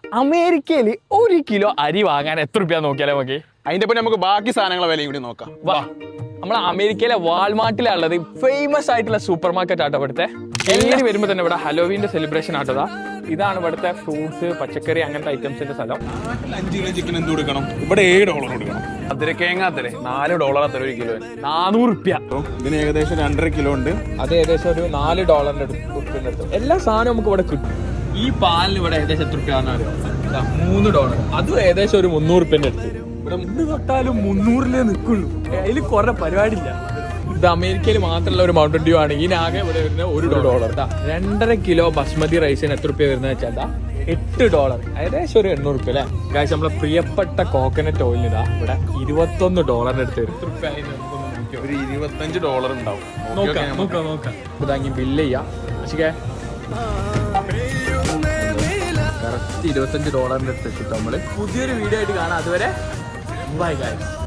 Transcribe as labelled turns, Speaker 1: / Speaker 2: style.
Speaker 1: അമേരിക്കയിൽ 1 കിലോ അരി വാങ്ങാൻ എത്ര രൂപ നോക്കിയാലേ നമുക്ക്?
Speaker 2: അതിന്റെ പിന്നെ നമുക്ക് ബാക്കി സാധനങ്ങളെ വിലയും കൂടി നോക്കാം.
Speaker 1: വാ, നമ്മളെ അമേരിക്കയിലെ വാൾമാർട്ടിലുള്ളത് ഫേമസ് ആയിട്ടുള്ള സൂപ്പർ മാർക്കറ്റ് ആട്ടോ ഇവിടുത്തെ. എല്ലാവരും വരുമ്പോൾ തന്നെ ഇവിടെ ഹലോവീന്റെ സെലിബ്രേഷൻ ആട്ടതാ. ഇതാണ് ഇവിടുത്തെ ഫ്രൂട്ട്സ്, പച്ചക്കറി, അങ്ങനത്തെ ഐറ്റംസിന്റെ സ്ഥലം.
Speaker 2: 5 കിലോ ചിക്കൻ എന്ത് കൊടുക്കണം? ഇവിടെ $7 കൊടുക്കണം. അതിരക്കേങ്ങാത്തല്ലേ $4 അത്ര 1 കിലോ,
Speaker 1: 400 രൂപ.
Speaker 2: ഇതിന് ഏകദേശം 2.5 കിലോ ഉണ്ട്.
Speaker 1: അത് ഏകദേശം ഒരു $4 അടുത്ത്. എല്ലാ സാധനവും നമുക്ക് ഇവിടെ കിട്ടും. ഈ പാലിന് ഇവിടെ ഏകദേശം എത്ര രൂപയാണെന്ന് അറിയാം? $3. അതും ഏകദേശം ഒരു 300 രൂപന്റെ അടുത്ത്. ഇവിടെ 3 തൊട്ടാലും 300 നിൽക്കുള്ളൂ. അതിൽ കുറെ പരിപാടിയില്ല. ഇത് അമേരിക്കയിൽ മാത്രമുള്ള ഒരു മൗണ്ടൻ ഡ്യൂ ആണ്. ഇതിനാകെ ഇവിടെ വരുന്നത് $1. 2.5 കിലോ ബസ്മതി റൈസിന് എത്ര രൂപ വരുന്നത് വെച്ചാൽ $8, ഏകദേശം ഒരു 800 രൂപ അല്ലേ ഗായ്സ്. നമ്മളെ പ്രിയപ്പെട്ട കോക്കനട്ട് ഓയിലിന് ഇതാ ഇവിടെ $21 അടുത്ത് വരും. എത്ര രൂപ?
Speaker 2: ഒരു $25 ഉണ്ടാവും.
Speaker 1: നോക്കാം. ഇതാക്കി ബില്ല് ചെയ്യാം. പക്ഷേ കറക്റ്റ് $25 അടുത്ത് വെച്ചിട്ട് നമ്മള് പുതിയൊരു വീഡിയോ ആയിട്ട് കാണാം. അതുവരെ ബൈ ഗായ്സ്.